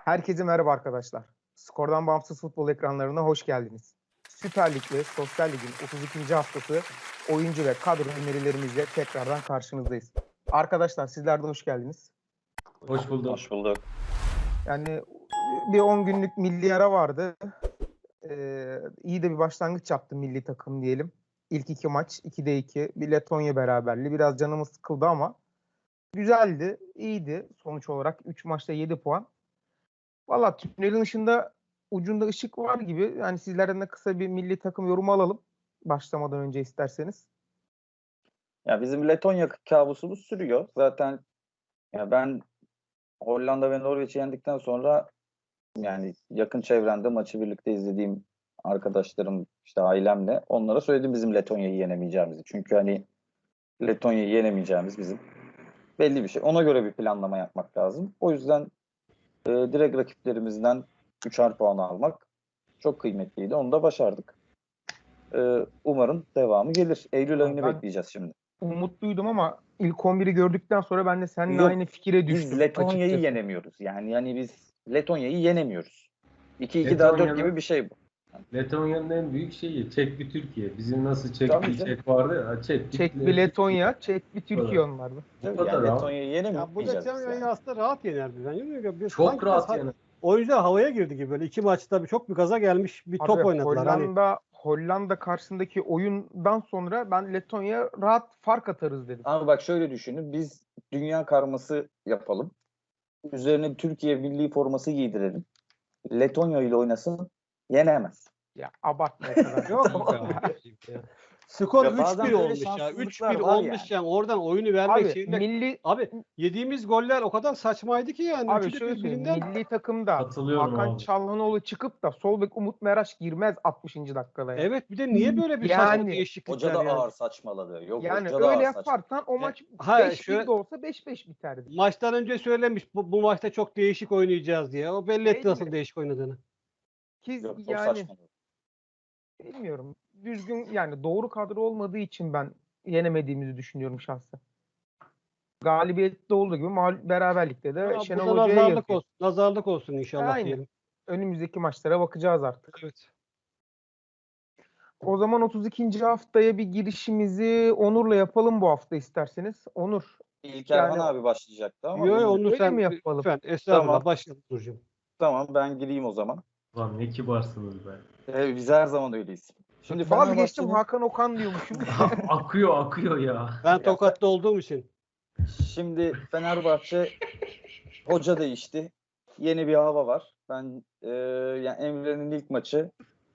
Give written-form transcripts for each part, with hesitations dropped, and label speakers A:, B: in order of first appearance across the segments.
A: Herkese merhaba arkadaşlar. Skordan bağımsız futbol ekranlarına hoş geldiniz. Süper Lig ve Sosyal Lig'in 32. haftası oyuncu ve kadro önerilerimizle tekrardan karşınızdayız. Arkadaşlar sizler de hoş geldiniz.
B: Hoş bulduk.
C: Hoş bulduk.
A: Yani bir 10 günlük milli ara vardı. İyi de bir başlangıç yaptı milli takım diyelim. İlk iki maç 2'de 2 bir Letonya beraberliği. Biraz canımız sıkıldı ama güzeldi, iyiydi sonuç olarak. 3 maçta 7 puan. Valla tünelin ucunda ışık var gibi. Yani sizlerden de kısa bir milli takım yorumu alalım. Başlamadan önce isterseniz.
C: Ya bizim Letonya kabusumuz sürüyor. Zaten ya ben Hollanda ve Norveç'i yendikten sonra yani yakın çevremde maçı birlikte izlediğim arkadaşlarım işte ailemle onlara söyledim bizim Letonya'yı yenemeyeceğimizi. Çünkü hani Letonya'yı yenemeyeceğimiz bizim belli bir şey. Ona göre bir planlama yapmak lazım. O yüzden direkt rakiplerimizden 3'er puan almak çok kıymetliydi. Onu da başardık. Umarım devamı gelir. Eylül ayını
A: Ben
C: bekleyeceğiz şimdi.
A: umutluydum ama ilk 11'i gördükten sonra ben de seninle
C: Yok,
A: aynı fikire
C: biz
A: düştüm
C: Letonya'yı
A: açıkçası.
C: yenemiyoruz. Yani biz Letonya'yı yenemiyoruz. 2-2 daha 4 gibi bir şey bu.
B: Letonya'nın en büyük şeyi Çek bir Türkiye. Bizim nasıl Çek
C: Tabii
B: bir
C: canım.
B: Çek vardı ya.
A: Çek bir Letonya, çek bir Türkiye
B: Evet.
A: onlarda.
B: Bu
C: Tabii
B: kadar
C: yani
B: abi.
C: Letonya'yı
D: Ya bu
C: yenemeyeceğiz biz
D: Letonya'yı
C: yani.
D: aslında rahat yenerdi. Yani biz
B: Çok
D: sanki
B: rahat
D: biraz
B: yani.
D: oyuncular havaya girdi gibi böyle iki maçta çok bir gaza gelmiş bir
A: Abi
D: top oynadılar. Hani
A: Hollanda karşısındaki oyundan sonra ben Letonya rahat fark atarız dedim.
C: Ama bak şöyle düşünün. Biz dünya karması yapalım. Üzerine Türkiye milli forması giydirelim. Letonya ile oynasın. Yenemez.
A: Ya abartma o kadar.
D: yok
A: değil
D: be
A: ya.
D: abi. Skor
C: Ya bazen
D: 3-1
C: böyle
D: olmuş ya.
C: şanssızlıklar
D: 3-1
C: var
D: olmuş yani. Oradan oyunu vermek
A: Abi
D: şeyinde. Abi yediğimiz goller o kadar saçmaydı ki yani.
A: Abi
D: Üçü de
A: şöyle söyleyeyim.
D: birbirinden.
A: Milli takımda
B: Katılıyorum
A: Hakan
B: abi.
A: Çalhanoğlu çıkıp da sol bek Umut Meraş girmez 60. dakikada ya.
D: Evet bir de niye böyle bir
A: Yani,
D: saçma
C: Hoca
D: değişiklikler
C: da
D: yani.
C: ağır saçmaladı. Yok
A: Yani
C: hoca da
A: öyle
C: ağır saçmaladı.
A: yaparsan o maç
D: Ha,
A: 5-1 de olsa 5-5 biterdi.
D: Maçtan önce söylemiş bu maçta çok değişik oynayacağız diye. O belli etti
A: Değil
D: nasıl
A: mi?
D: değişik oynadığını.
A: Ki
C: Yok çok
A: yani
C: saçmaladı.
A: bilmiyorum. Düzgün yani doğru kadro olmadığı için ben yenemediğimizi düşünüyorum şahsen. Galibiyette olduğu gibi beraberlikte de
D: Ya,
A: Şenol
D: burada
A: Hoca'ya
D: nazarlık
A: yazıyor.
D: olsun. Nazarlık olsun inşallah
A: Aynen.
D: diyelim.
A: Önümüzdeki maçlara bakacağız artık.
D: Evet.
A: O zaman 32. haftaya bir girişimizi Onur'la yapalım bu hafta isterseniz. Onur.
C: İlk Erhan
A: Yani
C: abi başlayacaktı ama
D: Yo, onu
A: öyle mi
D: sen
A: yapalım?
D: lütfen estağfurullah
C: Tamam.
D: başlayalım Burcu'm.
C: Tamam ben gireyim o zaman.
B: Lan ne kibarsınız be.
C: Biz her zaman öyleyiz. Şimdi
A: Vazgeçtim
C: Fenerbahçe'nin
A: Hakan Okan diyormuşum.
B: akıyor ya.
D: Ben Tokat'ta olduğum için.
C: şimdi Fenerbahçe hoca değişti. Yeni bir hava var. Ben yani Emre'nin ilk maçı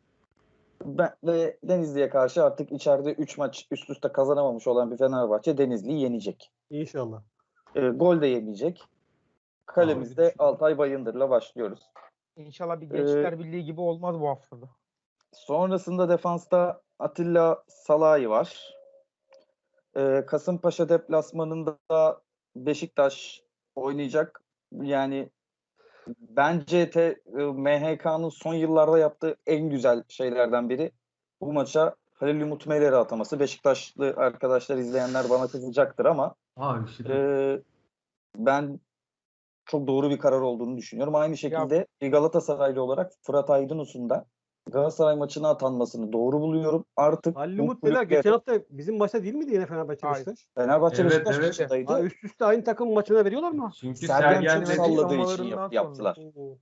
C: ve Denizli'ye karşı artık içeride 3 maç üst üste kazanamamış olan bir Fenerbahçe Denizli'yi yenecek.
D: İnşallah.
C: Gol de yemeyecek. Kalemizde Altay Bayındır'la başlıyoruz.
A: İnşallah bir Gençler Birliği gibi olmaz bu haftada.
C: Sonrasında defansta Atilla Salahi var. Kasımpaşa deplasmanında Beşiktaş oynayacak. Yani bence MHK'nın son yıllarda yaptığı en güzel şeylerden biri bu maça Halil Umut Meler'i ataması. Beşiktaşlı arkadaşlar izleyenler bana kızacaktır ama
B: Abi işte
C: ben çok doğru bir karar olduğunu düşünüyorum. Aynı şekilde bir Galatasaraylı olarak Fırat Aydınus'un da Galatasaray maçına atanmasını doğru buluyorum. Artık
D: Halil
C: bu
D: Umut Beyler
C: kulüple
D: geçen hafta bizim maçta değil miydi yine Fenerbahçe
A: Hayır.
D: Beşiktaş?
C: Fenerbahçe
B: Evet,
C: Beşiktaş
B: evet.
C: maçındaydı.
D: Ha, üst üste aynı takım maçına veriyorlar mı?
B: çünkü
C: Sergen
B: Sergen
C: çok
B: dedi.
C: salladığı için
A: Açıklamalarından sonra.
C: yaptılar.
D: Oo.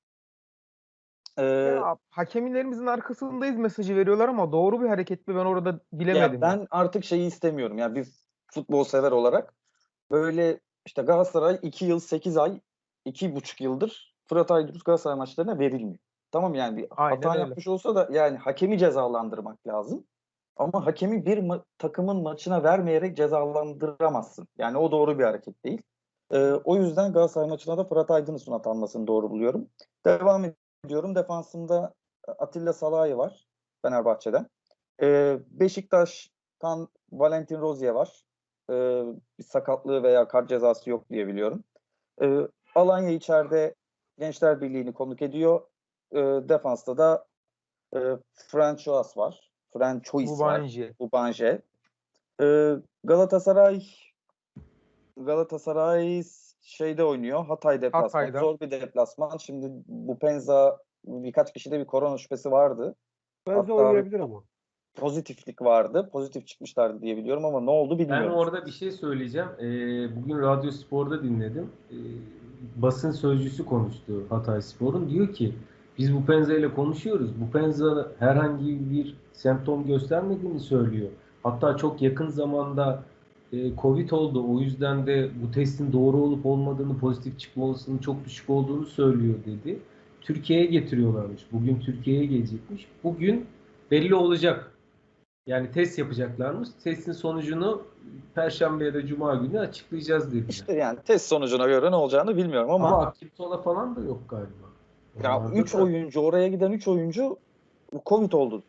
A: Ya, hakemlerimizin arkasındayız mesajı veriyorlar ama doğru bir hareket mi ben orada bilemedim.
C: Ya ben artık şeyi istemiyorum. Ya bir futbol sever olarak böyle işte Galatasaray 2 yıl 8 ay 2,5 yıldır Fırat Aydınus Galatasaray maçlarına verilmiyor. Tamam yani bir
A: Aynen
C: hata
A: öyle.
C: yapmış olsa da yani hakemi cezalandırmak lazım. Ama hakemi bir takımın maçına vermeyerek cezalandıramazsın. Yani o doğru bir hareket değil. O yüzden Galatasaray maçına da Fırat Aydınus'un atanmasını doğru buluyorum. Devam ediyorum. Defansında Atilla Salahi var Fenerbahçe'den. Beşiktaş'tan Valentin Rozier var. Bir sakatlığı veya kart cezası yok diye biliyorum. Alanya içeride Gençler Birliği'ni konuk ediyor. Defansta da Franchois var. Franchois var.
A: Bubanje.
C: Bubanje. Galatasaray Galatasaray şeyde oynuyor. Hatay deplasmanı.
A: Hatay'da.
C: Zor bir deplasman. Şimdi bu Penza birkaç kişide bir korona şüphesi vardı.
D: Bence
C: Hatta
D: oynayabilir ama.
C: pozitiflik vardı. Pozitif çıkmışlardı diye biliyorum ama ne oldu
B: Ben
C: bilmiyorum.
B: orada bir şey söyleyeceğim. Bugün Radyo Spor'da dinledim. Basın sözcüsü konuştu Hatayspor'un. Diyor ki biz bu Penza ile konuşuyoruz. Bu Penza herhangi bir semptom göstermediğini söylüyor. Hatta çok yakın zamanda Covid oldu. O yüzden de bu testin doğru olup olmadığını, pozitif çıkma olasılığının çok düşük olduğunu söylüyor dedi. Türkiye'ye getiriyorlarmış. Bugün Türkiye'ye gelecekmiş. Bugün belli olacak. Yani test yapacaklarmış. Testin sonucunu Perşembe ya da Cuma günü açıklayacağız dediler.
C: İşte yani test sonucuna göre ne olacağını bilmiyorum ama
B: Ama Akiptola falan da yok galiba.
C: ya
B: Onlarda
C: 3
B: da-
C: oyuncu, oraya giden 3 oyuncu Covid oldu.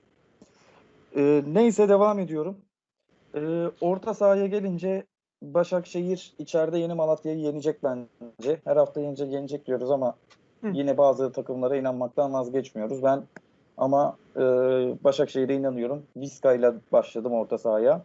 C: Neyse devam ediyorum. Orta sahaya gelince Başakşehir içeride Yeni Malatya'yı yenecek bence. Her hafta yenecek diyoruz ama yine bazı takımlara inanmaktan vazgeçmiyoruz. Ben ama Başakşehir'e inanıyorum. Vizca ile başladım orta sahaya.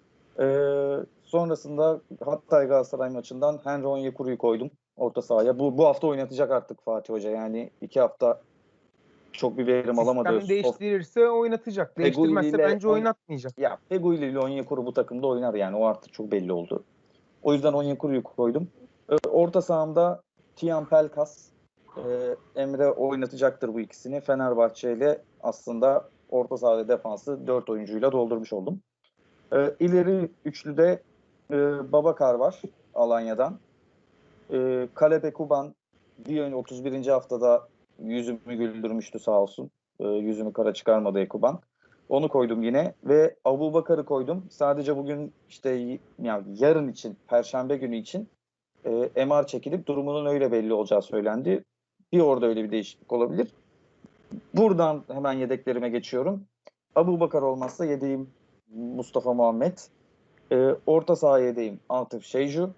C: Sonrasında Hatay Galatasaray maçından Henry Onyekuru'yu koydum orta sahaya. Bu hafta oynatacak artık Fatih Hoca. Yani 2 hafta çok bir verim alamadı.
A: Sistem değiştirirse oynatacak. Değiştirmezse
C: Feguli ile
A: bence oynatmayacak.
C: Ya Feguli ile Onyekuru bu takımda oynar yani. O artık çok belli oldu. O yüzden Onyekuru'yu koydum. Orta sahamda Tiyan Pelkas, Emre oynatacaktır bu ikisini. Fenerbahçe ile aslında orta saha ve defansı 4 oyuncuyla doldurmuş oldum. İleri üçlüde Babakar var Alanya'dan. Kalebe Kuban bir ön 31. haftada yüzümü güldürmüştü sağ olsun. Yüzümü kara çıkarmadı Ekuban. Onu koydum yine ve Abubakar'ı koydum. Sadece bugün işte yani yarın için, Perşembe günü için MR çekilip durumunun öyle belli olacağı söylendi. Bir orada öyle bir değişiklik olabilir. Buradan hemen yedeklerime geçiyorum. Abubakar olmazsa yedeğim Mustafa Muhammed. Orta saha yedeğim Atıf Şeycu.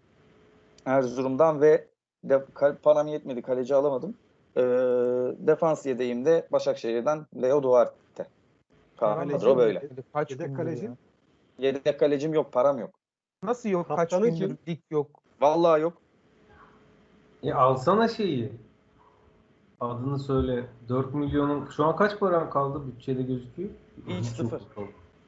C: Erzurum'dan ve param yetmedi, kaleci alamadım. Defans yedeğim de Başakşehir'den Leo Duarte. Kadro böyle.
A: Kaç
D: Yedek
A: gündür
D: kaleci?
A: ya.
C: Yedek kalecim yok, param yok.
A: Nasıl yok? Kaç
D: Kaptanı
A: gündür
D: kim?
A: lig yok.
C: Vallahi yok.
B: Alsana şeyi. Adını söyle. 4 milyonun şu an kaç paran kaldı bütçede gözüküyor?
C: Hiç
B: Çok
C: sıfır.
B: kaldı.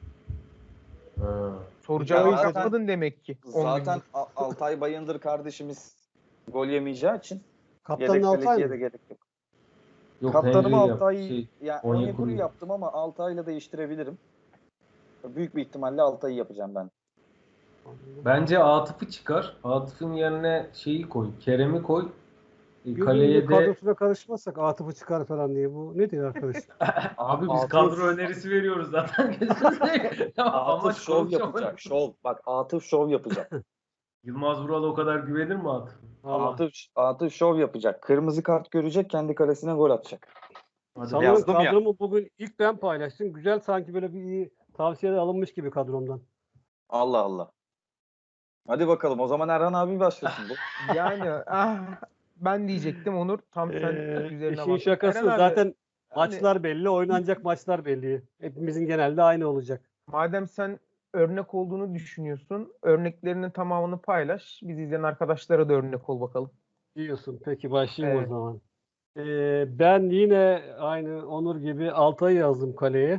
B: Ha.
A: Soracağını
C: Ya zaten-
A: yapmadın demek ki. 10
C: Zaten
A: gündür.
C: Altay Bayındır kardeşimiz gol yemeyeceği için
D: Kaptanın
C: yedek
D: Altay
C: kaleciye de
D: mı?
C: gerek yok.
B: Yok,
C: Kaptanımı
B: Henry
C: Altay, yani
B: Onyekuru'yu.
C: Onyekuru'yu yaptım ama Altay'la değiştirebilirim. Büyük bir ihtimalle Altay'ı yapacağım ben.
B: Bence Atıf'ı çıkar. Atıf'ın yerine şeyi koy. Kerem'i koy.
D: Birinin
B: Kaleye
D: de
B: de
D: kadrosuna karışmazsak Atıf'ı çıkar falan diye. Bu ne diyor arkadaş?
B: abi biz
C: Atıf-
B: kadro önerisi veriyoruz zaten.
C: Atıf şov yapacak. Şov. Bak Atıf şov yapacak.
B: Yılmaz Vural'a o kadar güvenir mi Atıf?
D: Allah.
C: Atıf şov yapacak. Kırmızı kart görecek, kendi kalesine gol atacak.
B: Hadi
D: Sanırım
C: yazdım ya.
D: kadromu bugün ilk ben paylaştım. Güzel, sanki böyle bir iyi tavsiyeler alınmış gibi kadromdan.
C: Allah Allah. Hadi bakalım. O zaman Erhan abi başlasın.
A: Yani ben diyecektim Onur. Tam sen üzerine
D: İşin
A: bak.
D: şakası
A: Eren abi,
D: zaten
A: hani
D: maçlar belli, oynanacak maçlar belli. Hepimizin genelde aynı olacak.
A: madem sen örnek olduğunu düşünüyorsun, örneklerinin tamamını paylaş. Biz izleyen arkadaşlara da örnek ol bakalım.
D: Diyorsun. Peki başlayayım
A: Evet.
D: o zaman. Ben yine aynı Onur gibi Altay'ı yazdım kaleye.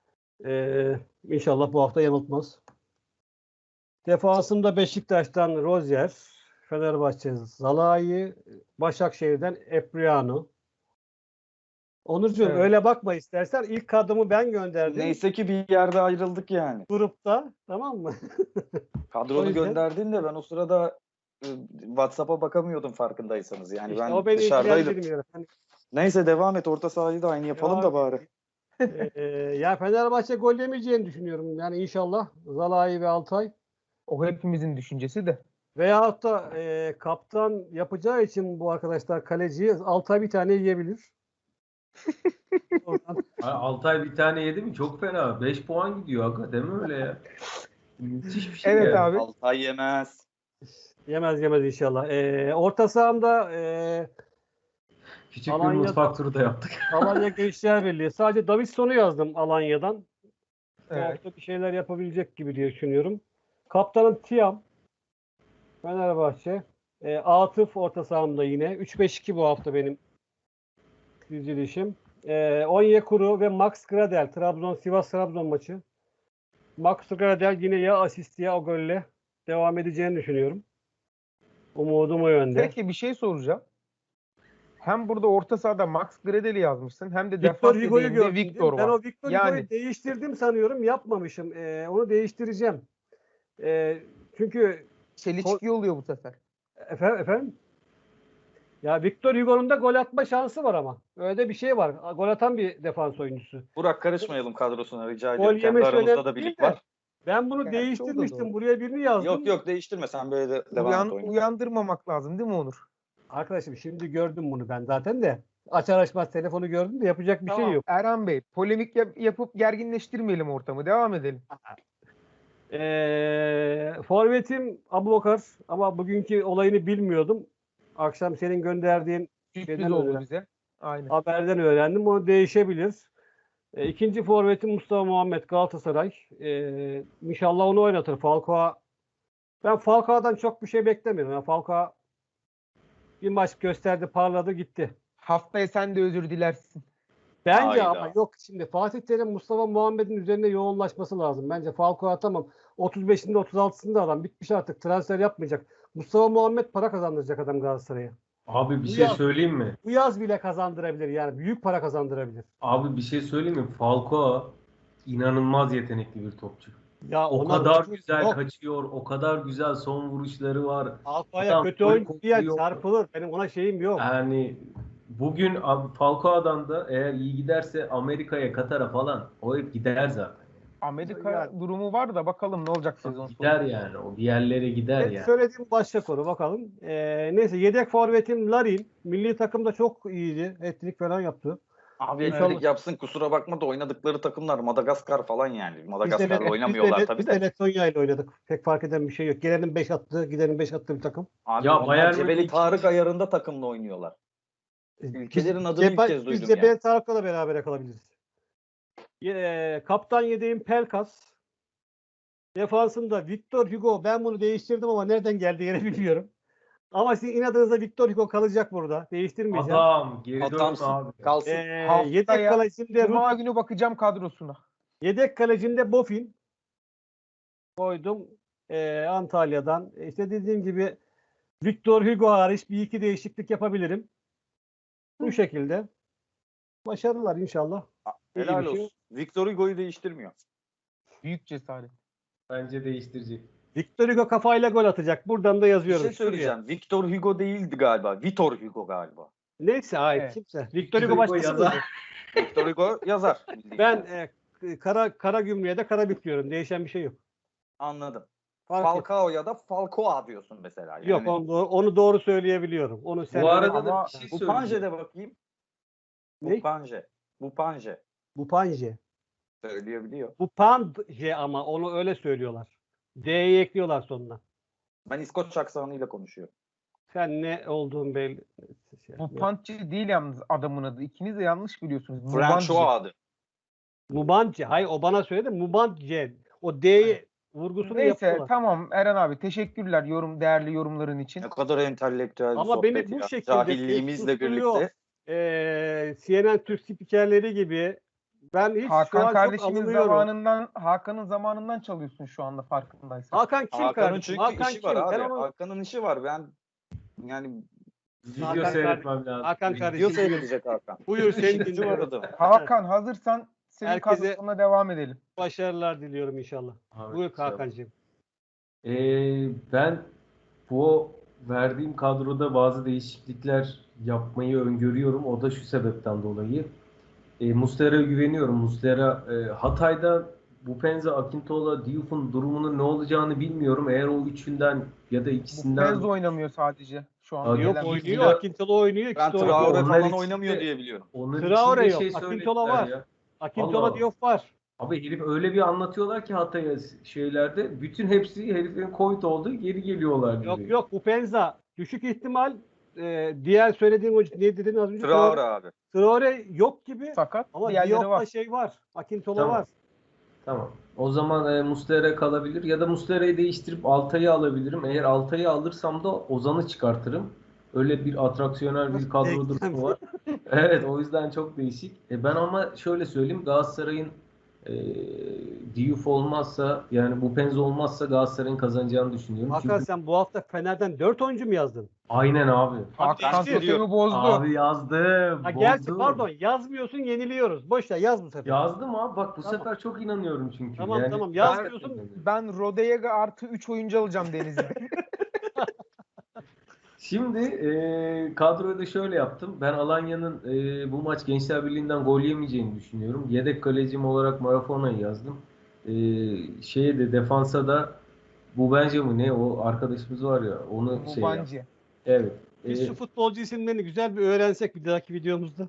D: İnşallah bu hafta yanıltmaz. Defansımda Beşiktaş'tan Rozier, Fenerbahçe Zalai, Başakşehir'den Epriano. Onurcuğum
A: Evet.
D: öyle bakma istersen. İlk kadromu ben gönderdim.
C: Neyse ki bir yerde ayrıldık yani.
D: Grupta, tamam mı? O
C: Kadronu
D: yüzden-
C: gönderdin de ben o sırada WhatsApp'a bakamıyordum farkındaysanız. Yani
D: İşte
C: ben
D: o beni
C: dışarıdaydım.
D: ilgilendirmiyor. Hani,
C: Neyse devam et. Orta sahayı da aynı yapalım da bari.
D: ya Fenerbahçe gol yemeyeceğini düşünüyorum. Yani inşallah Zalai ve Altay.
A: O hepimizin düşüncesi de.
D: Veyahut da kaptan yapacağı için bu arkadaşlar kaleciyi Altay bir tane yiyebilir. Oradan
B: Altay bir tane yedi mi? Çok fena. 5 puan gidiyor aga. Deme öyle ya. Müthiş bir şey
A: Evet
B: yani.
A: abi.
C: Altay yemez.
D: yemez inşallah. Orta sahamda
B: Küçük bir
D: Alanya-
B: mutfak turu da yaptık.
D: Alanya Gençler Birliği. Sadece Davidson'u yazdım Alanya'dan. Bu
A: Evet.
D: hafta bir şeyler yapabilecek gibi diye düşünüyorum. Kaptanım Tiam. Fenerbahçe. Atıf orta sahamda yine. 3-5-2 bu hafta benim dizilişim. Onyekuru ve Max Gradel. Sivas-Trabzon maçı. Max Gradel yine ya asist ya o golle devam edeceğini düşünüyorum. Umudum o yönde.
A: Peki bir şey soracağım. Hem burada orta sahada Max Gradel'i yazmışsın hem de
D: Victor
A: defans
D: Hugo'yu
A: dediğinde
D: gördüm.
A: Victor
D: Ben
A: var.
D: o Victor
A: Yani-
D: Hugo'yu değiştirdim sanıyorum. Yapmamışım. Onu değiştireceğim. Çünkü
A: Çelişki oluyor bu sefer.
D: efendim? Ya Victor Hugo'nun da gol atma şansı var ama. Öyle de bir şey var. Gol atan bir defans oyuncusu.
C: Burak karışmayalım kadrosuna rica
D: Gol
C: ediyorum. Kendi
D: yemesi
C: aramızda
D: önemli
C: da
D: değil
C: birlik
D: de.
C: var.
D: Ben bunu
A: Gerçi o da
D: değiştirmiştim.
A: doğru.
D: Buraya birini yazdım.
C: Yok değiştirme sen böyle de devam et oyuna.
A: Uyandırmamak lazım değil mi Onur?
D: Arkadaşım şimdi gördüm bunu ben zaten de. Açar açmaz telefonu gördüm de yapacak bir şey
A: Tamam,
D: yok.
A: Erhan Bey, polemik yapıp gerginleştirmeyelim ortamı. Devam edelim.
D: Forvetim Abubakar ama bugünkü olayını bilmiyordum. Akşam senin gönderdiğin
A: Sürpriz
D: şeyden
A: oldu
D: öğrendim.
A: bize. Aynen.
D: Haberden öğrendim. O değişebilir. İkinci forvetim Mustafa Muhammed Galatasaray. İnşallah onu oynatır. Ben Falcao'dan çok bir şey beklemiyorum. Yani Falcao bir maç gösterdi, parladı, gitti.
A: Haftaya sen de özür dilersin.
D: Bence
C: Hayda.
D: ama yok şimdi Fatih Terim Mustafa Muhammed'in üzerine yoğunlaşması lazım. Bence Falcao tamam. 35'inde 36'sında adam bitmiş artık. Transfer yapmayacak. Mustafa Muhammed para kazandıracak adam Galatasaray'a.
B: Abi bir
D: Bu
B: şey
D: yaz-
B: söyleyeyim mi?
D: Bu yaz bile kazandırabilir yani. Büyük para kazandırabilir.
B: Abi bir şey söyleyeyim mi? Falcao inanılmaz yetenekli bir topçu.
D: Ya
B: O
D: ona
B: kadar
D: lafım
B: güzel
D: yok.
B: kaçıyor, o kadar güzel son vuruşları var.
D: Falcao'ya
B: Adam
D: kötü
B: gol
D: oyuncu diye
B: kokuyor.
D: çarpılır. Benim ona şeyim yok.
B: Yani bugün abi Falcao'dan da eğer iyi giderse Amerika'ya, Katar'a falan o hep gider zaten.
A: Amerika
D: Yani-
A: durumu var da bakalım ne olacak sezon
B: Gider
A: sonu.
B: yani. O bir yerlere gider
D: Evet,
B: yani.
D: söylediğim başka konu bakalım. Neyse yedek forvetim Larin. Milli takımda çok iyiydi. Hat-trick falan yaptı.
C: Abi
D: İnşallah.
C: etkilik yapsın kusura bakma da oynadıkları takımlar Madagaskar falan yani.
D: Biz
C: Madagaskar'la oynamıyorlar tabii
D: biz
C: de.
D: de Letonya ile oynadık. Pek fark eden bir şey yok. Gelenin 5 attığı, gidenin 5 attığı bir takım.
C: Abi
B: Ya
C: onlar
B: Bayern
C: Cebeli
B: Münih-
C: Tarık ayarında takımla oynuyorlar. Ülkelerin adını ilk kez duydum
D: Biz
C: ya.
D: Cebel Tarık'la da beraber kalabiliriz. Kaptan yedeğim Pelkas. Defansında Victor Hugo. Ben bunu değiştirdim ama nereden geldi yine bilmiyorum. Ama sizin inadınıza Victor Hugo kalacak burada. Değiştirmeyeceğim.
B: Adam geri dönme
C: Adamsın.
B: abi.
C: Kalsın.
D: Yedek
A: Haftaya
D: kalecimde
A: Cuma günü bakacağım kadrosuna.
D: Yedek kalecimde Bofin koydum. Antalya'dan. İşte dediğim gibi Victor Hugo hariç bir iki değişiklik yapabilirim. Bu şekilde. Başarılar inşallah. İyi
C: Helal
D: bir şey.
C: olsun. Victor Hugo'yu değiştirmiyor.
A: Büyük cesaret.
B: Bence değiştirecek.
D: Victor Hugo kafayla gol atacak. Buradan da
C: Bir
D: yazıyorum.
C: şey söyleyeceğim. Victor Hugo değildi galiba. Vitor Hugo galiba.
D: Neyse hayır
A: Evet.
D: kimse. Victor Hugo
B: Hugo
D: başkası
B: yazar.
D: mıydı?
C: Victor Hugo yazar.
D: Ben kara gümrüğe de kara büküyorum. Değişen bir şey yok.
C: Anladım.
D: Fark yok.
C: Falcao ya da Falcoa diyorsun mesela. Yani
D: Yok onu doğru söyleyebiliyorum. Onu sen
B: Bu arada da
A: Ama
B: bir şey
C: bu
B: söyleyeceğim.
C: Panje'de bakayım.
D: Ne?
C: Bu Panje.
D: Bu Panje.
C: Söyleyebiliyor.
D: Bu Panje ama onu öyle söylüyorlar. D'yi ekliyorlar sonuna.
C: Ben İskoç aksanıyla konuşuyorum.
D: Sen ne olduğun belli.
A: bu Pantçı değil yalnız adamın adı. İkiniz de yanlış biliyorsunuz.
C: François adı.
D: Mubanje. Hayır o bana söyledi. Mubanje. O D'yi vurgusunu
A: Neyse
D: yapıyorlar.
A: tamam Eren abi teşekkürler değerli yorumların için.
C: Ne kadar entelektüel bir
D: Ama
C: sohbet
D: beni bu
C: ya.
D: şekilde
C: Cahilliğimizle
D: susturuyor.
C: birlikte.
D: CNN Türk spikerleri gibi ben hiç şu
A: Hakan
D: an çok
A: kardeşimin
D: alınıyorum.
A: Hakan'ın zamanından çalıyorsun şu anda farkındaysan.
D: Hakan kim
C: Hakan'ın
D: kardeşim?
C: çünkü
D: Hakan
C: işi
D: kim?
C: var
D: Ben
C: abi.
D: onu
C: Hakan'ın işi var. Ben yani
B: Video
D: Hakan
B: seyretmem lazım.
D: Hakan
C: video
D: kardeşim.
C: seyredecek Hakan.
D: Buyur seni
C: İşi
D: dinliyorum.
C: var adam.
A: Hakan hazırsan senin
D: Herkese-
A: kadrosuna devam edelim.
D: Başarılar diliyorum inşallah.
B: Abi,
D: Buyur Hakan'cığım.
B: Ben bu verdiğim kadroda bazı değişiklikler yapmayı öngörüyorum. O da şu sebepten dolayı. Muslera'ya güveniyorum. Muslera Hatay'da Bupenza, Akintola, Diouf'un durumunun ne olacağını bilmiyorum. Eğer o üçünden ya da
A: Bu
B: ikisinden
A: Penz oynamıyor sadece şu an.
B: Abi
D: Yok
A: gelen
D: oynuyor.
A: bilgiler.
D: Akintola oynuyor.
C: Ben
D: İkisi de
C: Traore
D: oynuyor.
B: Onlar
C: falan
B: için
C: oynamıyor
B: de-
C: diye biliyorum.
B: onun
D: Traore
B: için de
D: yok. Akintola
B: söylediler
D: var.
B: ya.
D: Akintola
B: Allah.
D: Diop var.
B: Abi herif öyle bir anlatıyorlar ki Hatay'a şeylerde. Bütün hepsi herifin Covid oldu geri geliyorlar gibi.
D: Yok Bupenza düşük ihtimal diğer söylediğim o ne dedin az önce?
C: Traore abi.
D: Traore yok gibi
A: Sakat.
D: ama
A: Diğerleri
D: Diop'ta
A: var.
D: şey var. Akintola
B: Tamam.
D: var.
B: Tamam. O zaman Muslera kalabilir ya da Muslera'yı değiştirip Altay'ı alabilirim. Eğer Altay'ı alırsam da Ozan'ı çıkartırım. Öyle bir atraksiyonel bir kadro
D: Denklem.
B: durumu var. Evet, o yüzden çok değişik. Ben ama şöyle söyleyeyim, Galatasaray'ın e, Diouf olmazsa, yani bu Penzo olmazsa Galatasaray'ın kazanacağını düşünüyorum.
D: Hakan,
B: Çünkü
D: sen bu hafta Fener'den 4 oyuncu mu yazdın?
B: aynen abi.
A: Hakan
C: ben
A: totemi
C: veriyorum.
A: bozdu.
B: Abi yazdım.
D: Ha, gerçi
B: Bozdum.
D: pardon, yazmıyorsun, yeniliyoruz. Boş ver, yaz bu sefer.
B: Yazdım abi. Bak bu
D: Tamam.
B: sefer çok inanıyorum çünkü.
D: Tamam,
B: Yani
D: tamam,
A: Ben,
D: yazmıyorsun.
A: ben Rodega artı 3 oyuncu alacağım Denizli'de.
B: Şimdi kadroyu da şöyle yaptım. Ben Alanya'nın bu maç Gençler Birliği'nden gol yemeyeceğini düşünüyorum. Yedek kalecim olarak Marafona'yı yazdım. Şeye de defansa da bu bence mi ne o arkadaşımız var ya onu şey yaptım.
A: Mubancı.
B: Evet.
D: Biz şu futbolcu isimlerini güzel bir öğrensek bir dahaki videomuzda.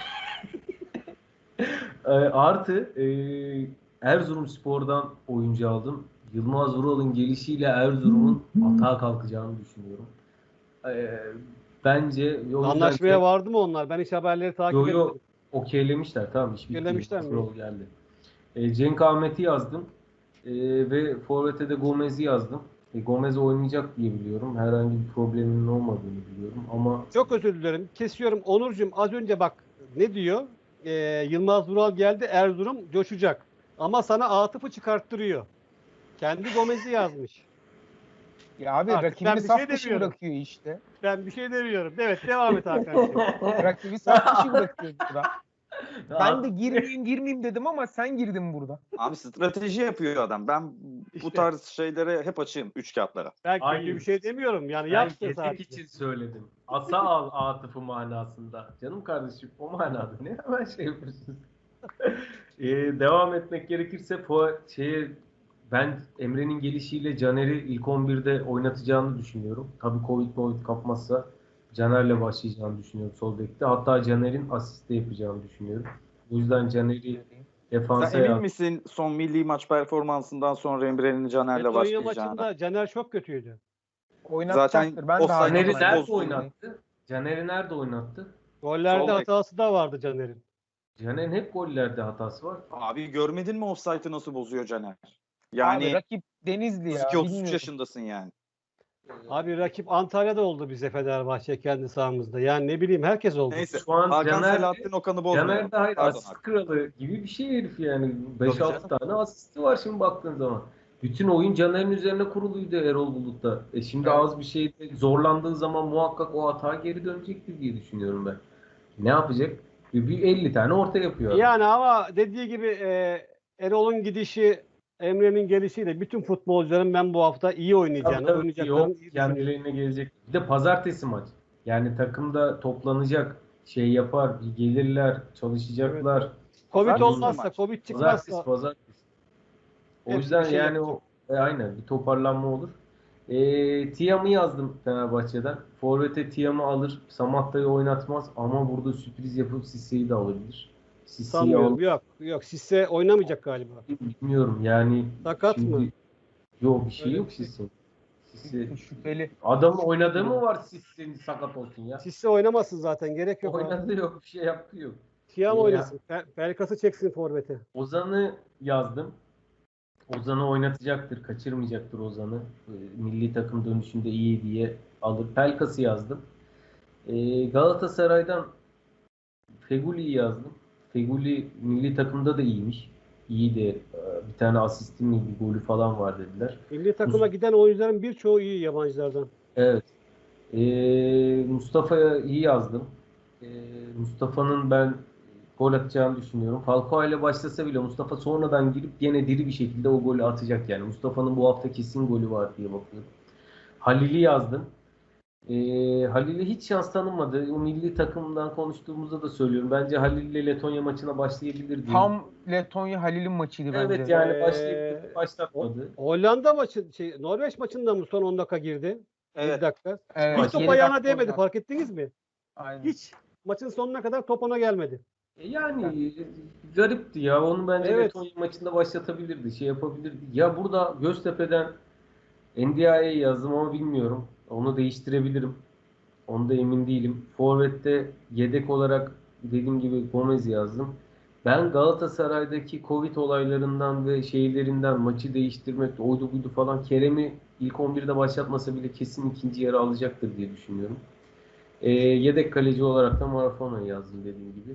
B: Artı Erzurumspor'dan oyuncu aldım. Yılmaz Vural'ın gelişiyle Erzurum'un atağa kalkacağını düşünüyorum. E, Bence o yüzden
D: Anlaşmaya vardı mı onlar? Ben hiç haberleri takip
B: Yo
D: etmedim.
B: okeylemişler, tamam, iş bitti.
D: Okeylemişler mi?
B: Rol geldi. Cenk Ahmet'i yazdım. Ve forvete de Gomez'i yazdım. Gomez oynayacak diye biliyorum. Herhangi bir probleminin olmadığını biliyorum ama
D: Çok özür dilerim. Kesiyorum. Onurcuğum, az önce bak ne diyor? Yılmaz Vural geldi. Erzurum coşacak. Ama sana Atıf'ı çıkarttırıyor. Kendi Gomez'i yazmış.
A: Ya abi
D: Artık ben
A: rakibini
D: bir
A: saf
D: şey
A: dışı
D: demiyorum.
A: bırakıyor işte.
D: Ben bir şey demiyorum. Evet, devam et Hakan'cığım.
A: Rakibi saf dışı bırakıyor burada. Ben de girmeyeyim dedim ama sen girdin burada.
C: Abi strateji yapıyor adam. Ben
D: İşte.
C: bu tarz şeylere hep açığım. Üç kağıtlara.
D: Ben kötü
B: Hayır.
D: bir şey demiyorum. Yani
B: Ben
D: yaptı
B: yedek
D: sadece.
B: için söyledim. Asa al Atıf'ı manasında. Canım kardeşim o manada. Ne hemen şey yapıyorsunuz? Devam etmek gerekirse ben Emre'nin gelişiyle Caner'i ilk 11'de oynatacağını düşünüyorum. Tabii Covid kapmazsa Caner'le başlayacağını düşünüyorum sol bekte. Hatta Caner'in asist de yapacağını düşünüyorum. O yüzden Caner'i defansa
C: Sen emin misin son milli maç performansından sonra Emre'nin Caner'le
D: Letonya
C: başlayacağını?
D: maçında Caner çok kötüydü.
A: Oynatacaktır.
C: Zaten
A: Ben de
C: offside
A: hala
B: Caner'i
C: nasıl
B: nerede
C: bozdu?
B: oynattı? Caner'i nerede oynattı?
D: Gollerde
C: Sol bek.
D: hatası da vardı Caner'in.
B: Caner'in hep gollerde hatası var.
C: Abi görmedin mi offside'ı nasıl bozuyor Caner?
A: Abi
C: Yani
A: rakip Denizli ya.
C: 32-33
A: bilmiyorum.
C: yaşındasın yani.
D: Abi rakip Antalya'da oldu bize Fenerbahçe kendi sahamızda. Yani ne bileyim, herkes oldu.
C: Neyse.
B: Şu an
C: Hakan
B: Caner
C: Selahattin Okan'ı bozmuyor.
B: Caner de hayır,
C: Pardon
B: asist
C: Hakan.
B: kralı gibi bir şey herif yani.
C: Tabii
B: 5-6
C: canım.
B: tane asisti var şimdi baktığın zaman. Bütün oyun Caner'in üzerine kuruluydu Erol Bulut'ta. Şimdi
A: Evet.
B: az bir şeyde zorlandığı zaman muhakkak o hata geri dönecektir diye düşünüyorum ben. Ne yapacak? Bir 50 tane orta yapıyor adam.
D: Yani ama dediği gibi Erol'un gidişi, Emre'nin gelişiyle bütün futbolcuların ben bu hafta iyi oynayacağını,
B: Tabii,
D: oynayacaklarını
B: yok,
D: iyi düşünüyorum.
B: kendilerine gelecek. Bir de pazartesi maç. Yani takımda toplanacak, şey yapar, bir gelirler, çalışacaklar.
D: Evet. Covid
C: Pazartesi
D: olmazsa,
C: maç.
D: Covid çıkmazsa
B: Pazartesi. O
D: hepsi
B: yüzden
D: bir şey
B: yani
D: yapacak.
B: aynen bir toparlanma olur. Tiam'ı yazdım Fenerbahçe'den. Forvet'e Tiam'ı alır. Samatta'yı oynatmaz ama burada sürpriz yapıp Sisse'yi de alabilir. Sisse'yi
D: Sanmıyorum. Yok. Sisse oynamayacak galiba.
B: bilmiyorum yani.
D: Sakat
B: şimdi,
D: mı?
B: Yok bir şey
D: Öyle
B: yok
D: bir şey.
B: Sisse. Sisse.
A: Şüpheli.
B: Adamın oynadığı mı var Sisse'nin sakat olsun ya?
D: Sisse oynamasın zaten. Gerek yok abi.
B: Oynadı yok, bir şey yaptı yok.
D: Tiam
B: Ya.
D: oynasın. Pelkas'ı çeksin forvete.
B: Ozan'ı yazdım. Ozan'ı oynatacaktır, kaçırmayacaktır Ozan'ı. Milli takım dönüşünde iyi diye alır. Pelkas'ı yazdım. Galatasaray'dan Feguli'yi yazdım. Feguli milli takımda da iyiymiş. İyi de bir tane asisti mi bir golü falan var dediler.
D: Milli takıma giden oyuncuların birçoğu iyi yabancılardan.
B: Evet. Mustafa'ya iyi yazdım. Mustafa'nın ben gol atacağını düşünüyorum. Falcao ile başlasa bile Mustafa sonradan girip gene diri bir şekilde o golü atacak yani. Mustafa'nın bu hafta kesin golü var diye bakıyorum. Halil'i yazdım. Halil'e hiç şans tanınmadı. O milli takımdan konuştuğumuzda da söylüyorum. Bence Halil ile Letonya maçına başlayabilir diye.
A: Tam Letonya Halil'in maçıydı bence.
B: Evet yani
D: Ee,
B: başlayabilir. Başlatmadı.
D: Hollanda maçı, Norveç maçında mı son 10 dakika girdi?
C: Evet.
D: 7 dakika.
A: Evet,
D: Hiç top
A: 7
D: ayağına
A: dakika
D: değmedi,
A: oynadı.
D: fark ettiniz mi?
A: Aynen.
D: Hiç maçın sonuna kadar top ona gelmedi.
B: Yani garipti ya. Onu bence
D: Evet.
B: Letonya maçında başlatabilirdi. Şey yapabilirdi. Ya burada Göztepe'den NDI'ye yazdım ama bilmiyorum. Onu değiştirebilirim. Onda emin değilim. Forvet'te yedek olarak dediğim gibi Gomez yazdım. Ben Galatasaray'daki Covid olaylarından ve şeylerinden maçı değiştirmek, oydu buydu falan Kerem'i ilk 11'de başlatmasa bile kesin ikinci yarı alacaktır diye düşünüyorum. Yedek kaleci olarak da Marafona'yı yazdım dediğim gibi.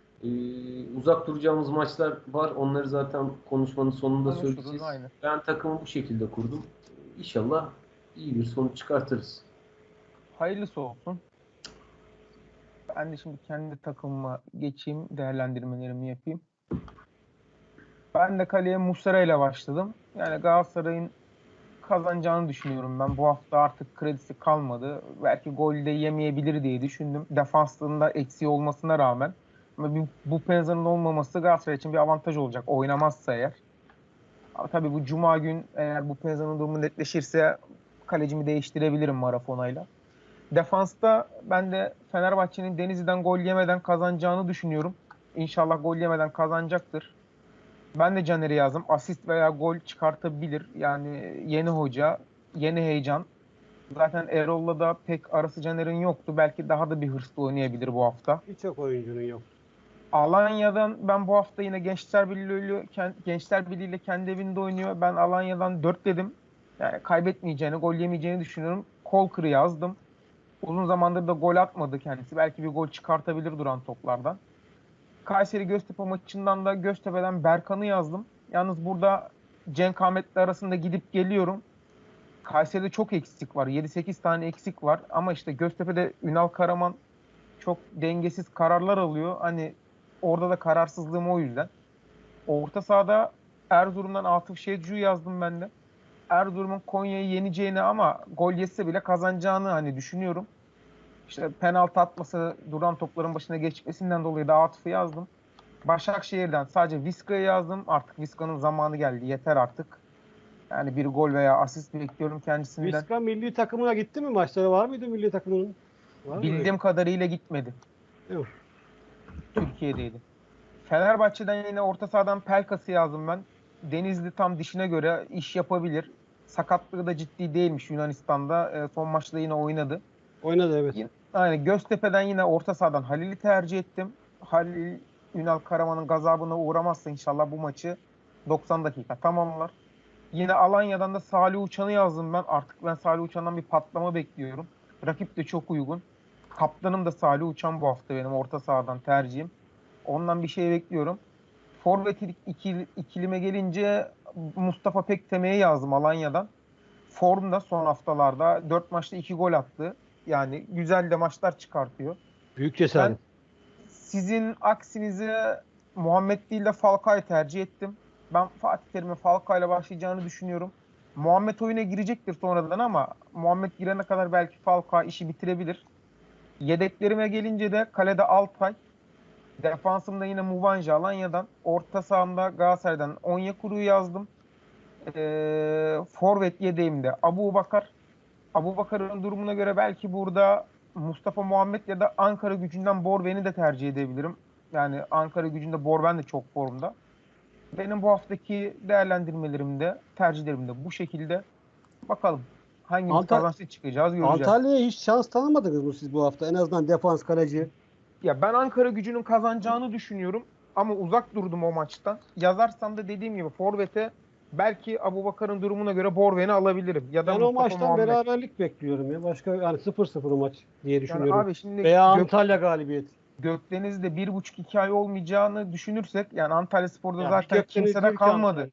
B: Uzak duracağımız maçlar var. Onları zaten konuşmanın sonunda
A: Konuşuruz
B: söyleyeceğiz.
A: aynı.
B: Ben takımı bu şekilde kurdum. İnşallah iyi bir sonuç çıkartırız.
A: Hayırlısı olsun. Ben de şimdi kendi takımıma geçeyim, değerlendirmelerimi yapayım. Ben de kaleye Muslera ile başladım. Yani Galatasaray'ın kazanacağını düşünüyorum ben. Bu hafta artık kredisi kalmadı. Belki gol de yemeyebilir diye düşündüm. Defansında eksiği olmasına rağmen. Ama bu Penza'nın olmaması Galatasaray için bir avantaj olacak. Oynamazsa eğer. Ama tabii bu Cuma gün eğer bu Penza'nın durumu netleşirse kalecimi değiştirebilirim Marafona'yla. Defansta ben de Fenerbahçe'nin Denizli'den gol yemeden kazanacağını düşünüyorum. İnşallah gol yemeden kazanacaktır. Ben de Caner'i yazdım. Asist veya gol çıkartabilir. Yani yeni hoca, yeni heyecan. Zaten Erol'la da pek arası Caner'in yoktu. Belki daha da bir hırslı oynayabilir bu hafta.
D: Birçok oyuncunun yok.
A: Alanya'dan ben bu hafta yine Gençler Birliği ile kendi evinde oynuyor. Ben Alanya'dan 4 dedim. Yani kaybetmeyeceğini, gol yemeyeceğini düşünüyorum. Kolkır'ı yazdım. Uzun zamandır da gol atmadı kendisi. Belki bir gol çıkartabilir duran toplardan. Kayseri Göztepe maçından da Göztepe'den Berkan'ı yazdım. Yalnız burada Cenk Ahmet'le arasında gidip geliyorum. Kayseri'de çok eksik var. 7-8 tane eksik var. Ama işte Göztepe'de Ünal Karaman çok dengesiz kararlar alıyor. Hani orada da kararsızlığım o yüzden. Orta sahada Erzurum'dan Atıf Şecu'yu yazdım ben de. Erzurum'un Konya'yı yeneceğini ama gol yese bile kazanacağını hani düşünüyorum. İşte penaltı atması, duran topların başına geçmesinden dolayı da Atıf'ı yazdım. Başakşehir'den sadece Vizca'yı yazdım. Artık Vizca'nın zamanı geldi. Yeter artık. Yani bir gol veya asist bekliyorum kendisinden.
D: Vizca milli takımına gitti mi? Maçları var mıydı milli takımının? Var mı?
A: Bildiğim kadarıyla gitmedi.
D: Yok.
A: Türkiye'deydi. Fenerbahçe'den yine orta sahadan Pelkas'ı yazdım ben. Denizli tam dişine göre iş yapabilir. Sakatlığı da ciddi değilmiş Yunanistan'da. Son maçta yine oynadı.
D: Oynadı evet.
A: Yani Göztepe'den yine orta sahadan Halil'i tercih ettim. Halil Ünal Karaman'ın gazabına uğramazsa inşallah bu maçı 90 dakika tamamlar. Yine Alanya'dan da Salih Uçan'ı yazdım ben. Artık ben Salih Uçan'dan bir patlama bekliyorum. Rakip de çok uygun. Kaptanım da Salih Uçan bu hafta benim orta sahadan tercihim. Ondan bir şey bekliyorum. Forvet ikilime gelince Mustafa Pekteme'ye yazdım Alanya'dan. Formda son haftalarda 4 maçta 2 gol attı. Yani güzel de maçlar çıkartıyor.
D: Büyük
A: Ben
D: cesaret.
A: sizin aksinize Muhammed değil de Falcao'yu tercih ettim. Ben Fatih Terim'in Falcao'yla başlayacağını düşünüyorum. Muhammed oyuna girecektir sonradan ama Muhammed girene kadar belki Falcao işi bitirebilir. Yedeklerime gelince de kalede Altay. Defansımda yine Mubanje Alanya'dan. Orta sahamda Galatasaray'dan Onyekuru'yu yazdım. Forvet yedeğimde Abubakar. Abubakar'ın durumuna göre belki burada Mustafa Muhammed ya da Ankara Gücü'nden Borven'i de tercih edebilirim. Yani Ankara Gücü'nde Borven de çok formda. Benim bu haftaki değerlendirmelerimde, tercihlerimde bu şekilde. Bakalım hangimiz
D: Anta-
A: kazançlı çıkacağız göreceğiz.
D: Antalya'ya hiç şans tanımadınız mı siz bu hafta? En azından defans kaleci.
A: Ya ben Ankara Gücü'nün kazanacağını düşünüyorum ama uzak durdum o maçtan. Yazarsam da dediğim gibi forvete belki Abubakar'ın durumuna göre Borven'i alabilirim ya da
D: Ben o
A: Mustafa
D: maçtan
A: Muhammed.
D: beraberlik bekliyorum ya. Başka yani 0-0 maç diye
A: Yani
D: düşünüyorum.
A: abi şimdi
D: Veya Antalya galibiyeti.
A: Gökdeniz'de 1,5-2 ay olmayacağını düşünürsek yani Antalyaspor'da
D: Ya bir
A: zaten
D: Gökdeniz
A: kimse de
D: diyor ki
A: kalmadı.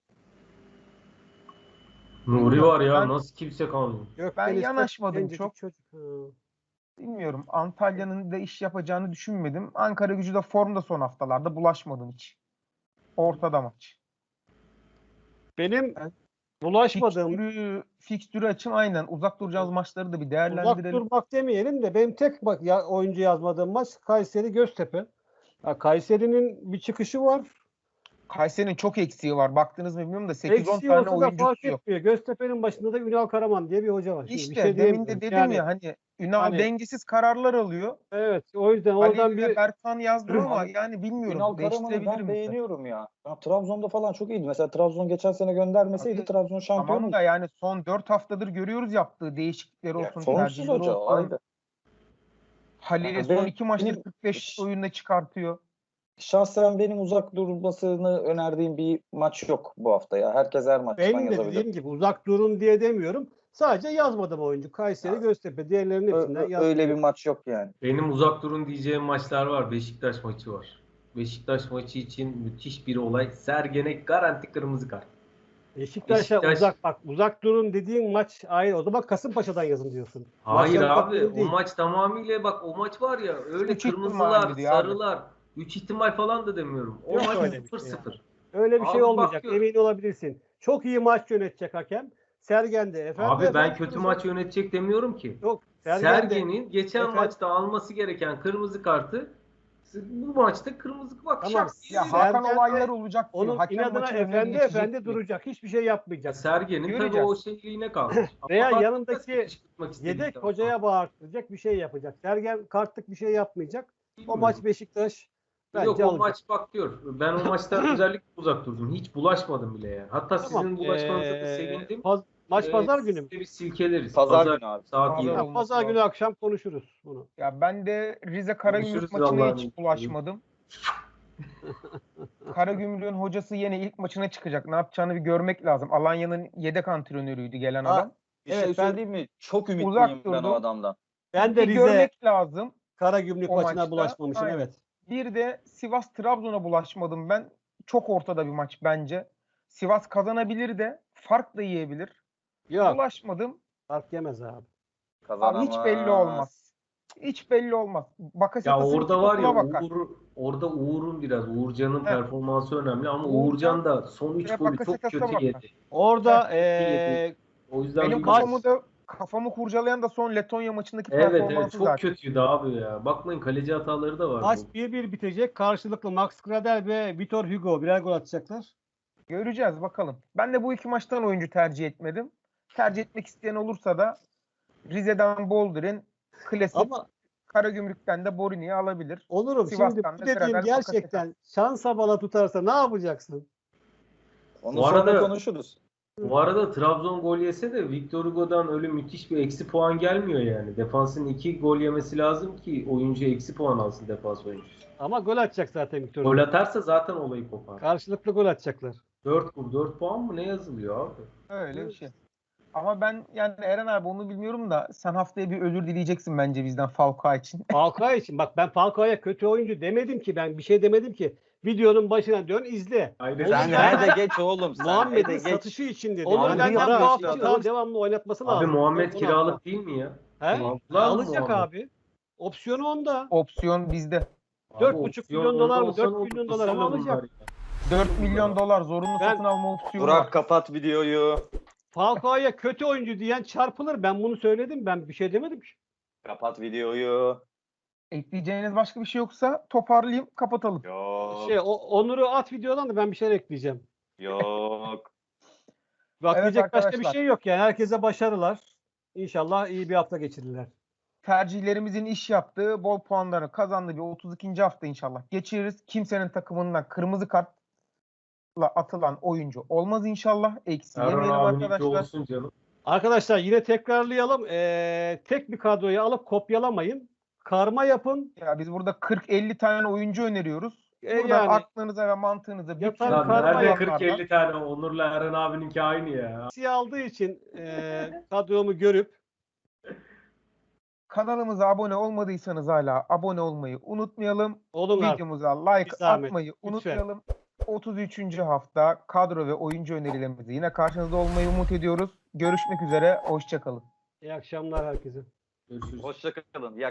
B: Nuri var ya,
A: Ben,
B: nasıl kimse kalmıyor.
A: ben
D: Gökdeniz
A: yanaşmadım
D: gencecik
A: çok.
D: çocuk. Ha.
A: Bilmiyorum. Antalya'nın da iş yapacağını düşünmedim. Ankara Gücü de formda son haftalarda bulaşmadım hiç. Ortada maç.
D: Benim
A: Ben
D: bulaşmadığım,
A: fikstürü açım aynen. Uzak duracağımız maçları da bir
D: uzak
A: değerlendirelim.
D: durmak demeyelim de benim tek bak ya oyuncu yazmadığım maç Kayseri Göztepe. Ya Kayseri'nin bir çıkışı var.
A: Kayseri'nin çok eksiği var. Baktınız mı bilmiyorum da 8-10
D: Eksiği
A: tane
D: olsa da fark
A: oyuncusu yok.
D: etmiyor. Göztepe'nin başında da Ünal Karaman diye bir hoca var. Şimdi bir
A: İşte
D: şey
A: demin de
D: diyemiyorum.
A: dedim
D: Yani
A: ya hani Ünal
D: hani
A: dengesiz kararlar alıyor.
D: evet o yüzden oradan
A: Halil ve
D: bir
A: Berkan yazdım ama
C: Abi,
A: yani bilmiyorum.
C: Ünal Karaman'ı ben
A: Değiştirebilirim de.
C: beğeniyorum ya. Ya Trabzon'da falan çok iyiydi. Mesela Trabzon geçen sene göndermeseydi
A: Abi,
C: Trabzon şampiyon
A: tamam da
C: oldu.
A: yani son 4 haftadır görüyoruz yaptığı değişiklikleri
C: Ya,
A: olsun,
C: formsuz
A: tercihleri
C: hoca o
A: olsun.
C: ayrı.
A: Halil'i
C: Yani
A: son 2 maçtır
C: benim
A: 45 oyunda çıkartıyor.
C: Şahsen benim uzak durmasını önerdiğim bir maç yok bu hafta ya. Herkes her maçtan
D: Benim de
C: yazabilir.
D: dediğim gibi uzak durun diye demiyorum. Sadece yazmadım oyuncu. Kayseri, Göztepe. Diğerlerinin hepsinden yazdım.
C: Öyle bir maç yok yani.
B: Benim uzak durun diyeceğim maçlar var. Beşiktaş maçı var. Beşiktaş maçı için müthiş bir olay. Sergen'e garanti kırmızı kart.
D: Beşiktaş'a
B: Beşiktaş-
D: uzak durun dediğin maç ayrı. O zaman Kasımpaşa'dan yazın diyorsun.
B: Hayır
D: Maçlar uzak
B: abi
D: durun
B: o
D: değil.
B: maç tamamıyla bak o maç var ya öyle
A: Üç
B: kırmızılar,
A: ihtimalli diyor abi.
B: sarılar, 3 ihtimal falan da demiyorum. O
D: Yok
B: maç
D: öyle bir şey
B: 0-0.
D: Öyle bir şey
B: Abi
D: olmayacak.
B: bak-
D: Emin olabilirsin. Çok iyi maç yönetecek hakem. Sergen de efendi.
B: Abi ben
D: efendi
B: kötü
D: kırmızı-
B: maç yönetecek demiyorum ki.
D: Yok.
B: Sergen'in geçen
D: efendi-
B: maçta alması gereken kırmızı kartı bu maçta kırmızı bak
D: Tamam.
B: şak diye
A: Ya
B: veriyor.
A: Hakan
D: Sergen de
A: olaylar olacak diyor.
D: onun
A: Hakem
D: inadına
A: maçın önüne
D: efendi
A: geçecek diyor.
D: duracak. Hiçbir şey yapmayacak.
B: Sergen'in tabii
A: Göreceğiz.
B: o şeyliğine kalmış.
D: Veya
B: Ama
D: yanındaki
B: kışkırtmak istedikten
D: Yedek
B: sonra.
D: hocaya bağırtacak bir şey yapacak. Sergen kartlık bir şey yapmayacak. O maç Beşiktaş bence
B: Yok o
D: alacak.
B: maç bak diyor. Ben o maçtan özellikle uzak durdum. Hiç bulaşmadım bile yani. Hatta
D: Tamam.
B: sizin bulaşmanıza da sevindim.
D: Maç pazar günü mü?
B: Sizi bir silkeleriz.
C: Pazar günü abi.
B: Saat
A: Pazar
B: 20.
A: olması
D: Pazar
A: lazım.
D: günü akşam konuşuruz bunu.
A: Ya ben de Rize Karagümrük
B: Konuşuruz
A: maçına
B: Allah'ın
A: hiç
B: izniyle.
A: bulaşmadım. Karagümrük'ün hocası yine ilk maçına çıkacak. Ne yapacağını bir görmek lazım. Alanya'nın yedek antrenörüydü gelen
C: Ha,
A: adam.
C: Bir
D: Evet,
C: şey
D: ben
C: söyleyeyim mi? Çok ümitliyim
A: uzak
C: ben
A: durdum.
C: o adamdan.
D: Ben de
A: Bir
D: Rize
A: görmek lazım.
D: Karagümrük
A: o
D: maçına
A: maçta.
D: bulaşmamışım,
A: Aynen.
D: evet.
A: Bir de Sivas Trabzon'a bulaşmadım ben. Çok ortada bir maç bence. Sivas kazanabilir de fark da yiyebilir.
D: Yok,
A: Bulaşmadım.
D: fark yemez abi.
A: Abi
C: Kazanamaz.
A: hiç belli olmaz. Hiç belli olmaz.
B: Ya
A: Bakasetas'ın
B: orada var ya
A: kitapına bakar.
B: orada Uğur'un biraz Uğurcan'ın
A: Heh.
B: performansı önemli ama
A: Uğurcan
B: Uğurcan da son 3
A: ve
B: golü çok
A: Bakasetas'a
B: kötü
A: bakar.
B: yedi.
D: Orada
B: yedi. O yüzden
A: Benim
B: bir
A: kafamı kurcalayan da son Letonya maçındaki
B: Evet
A: performansı
B: çok
A: zaten.
B: kötüydü abi ya. Bakmayın kaleci hataları da var.
D: maç
B: bu.
D: 1-1 bitecek. Karşılıklı Max Gradel ve Vitor Hugo birer gol atacaklar.
A: Göreceğiz bakalım. Ben de bu iki maçtan oyuncu tercih etmedim. Tercih etmek isteyen olursa da Rize'den Boldrin, klasik
D: Ama
A: Karagümrük'ten de Borini'yi alabilir.
D: Onurum şimdi
A: Sivas'tan
D: bu
A: da
D: dediğim
A: Gradel,
D: gerçekten şansa bala tutarsa ne yapacaksın?
C: Onu
B: Bu
C: sonra
B: arada-
C: konuşuruz.
B: Bu arada Trabzon gol yese de Victor Hugo'dan öyle müthiş bir eksi puan gelmiyor yani. Defansın 2 gol yemesi lazım ki oyuncu eksi puan alsın defans oyuncusu.
D: Ama gol atacak zaten Vitor
B: Gol
D: Hugo.
B: atarsa zaten olayı kopar.
D: Karşılıklı gol atacaklar.
B: 4 puan mı ne yazılıyor abi?
A: Öyle bir şey. Ama ben yani Eren abi onu bilmiyorum da sen haftaya bir özür dileyeceksin bence bizden Falcao için.
D: Falcao için bak ben Falcao'ya kötü oyuncu demedim ki, ben bir şey demedim ki. Videonun başına dön izle.
B: Aynen.
D: Sen
C: Sen
D: ben-
C: de geç oğlum. Sen
D: Muhammed'in
C: de geç.
D: satışı için dedi.
C: Onu
D: Yani
C: benden
D: para
C: bu
D: için
C: hafta
D: daha
C: alır.
D: devamlı oynatması
B: Abi
D: lazım.
B: Muhammed
D: Onu
B: kiralık değil mi ya?
D: He?
B: Aldılar mı
D: Alacak
B: Muhammed?
D: abi. Opsiyonu onda.
A: Opsiyon bizde.
B: Abi
D: 4,5
B: opsiyon
D: milyon dolar mı?
B: olsa
D: 4
B: ne olur?
D: milyon dolar ama
B: Kesemez
D: alacak.
B: bunlar ya.
A: 4 milyon dolar zorunlu
D: Ben-
A: satın alma opsiyonu var.
C: Burak kapat videoyu.
D: Falcao'ya kötü oyuncu diyen çarpılır. Ben bunu söyledim. Ben bir şey demedim ki.
C: Kapat videoyu.
A: Ekleyeceğiniz başka bir şey yoksa toparlayayım, kapatalım.
C: Yok.
D: Onur'u at videodan da ben bir şeyler ekleyeceğim.
C: Yok.
D: Bak
A: Evet
D: diyecek başka bir
A: arkadaşlar.
D: şey yok yani. Herkese başarılar. İnşallah iyi bir hafta geçirirler.
A: Tercihlerimizin iş yaptığı, bol puanları kazandığı bir 32. hafta inşallah geçiririz. Kimsenin takımından kırmızı kartla atılan oyuncu olmaz inşallah. Eksi
B: Erhan
A: yemeyelim
B: abininki
A: arkadaşlar.
B: olsun canım.
D: Arkadaşlar yine tekrarlayalım. Tek bir kadroyu alıp kopyalamayın. Karma yapın.
A: Ya biz burada 40-50 tane oyuncu öneriyoruz. Buradan
D: Yani
A: aklınıza ve mantığınıza
D: Yapan
A: bütün
B: Lan
D: karma
B: nerede
D: yapanlardan-
B: 40-50 tane Onur'la Erhan abininki aynı ya.
D: siyah aldığı için kadromu görüp
A: kanalımıza abone olmadıysanız hala abone olmayı unutmayalım.
D: olun artık.
A: Videomuza like
D: Bir zahmet,
A: atmayı
D: lütfen.
A: unutmayalım. 33. hafta kadro ve oyuncu önerilerimizle yine karşınızda olmayı umut ediyoruz. Görüşmek üzere. Hoşça kalın.
D: İyi akşamlar herkese.
B: Görüşürüz.
C: Hoşça kalın. İyi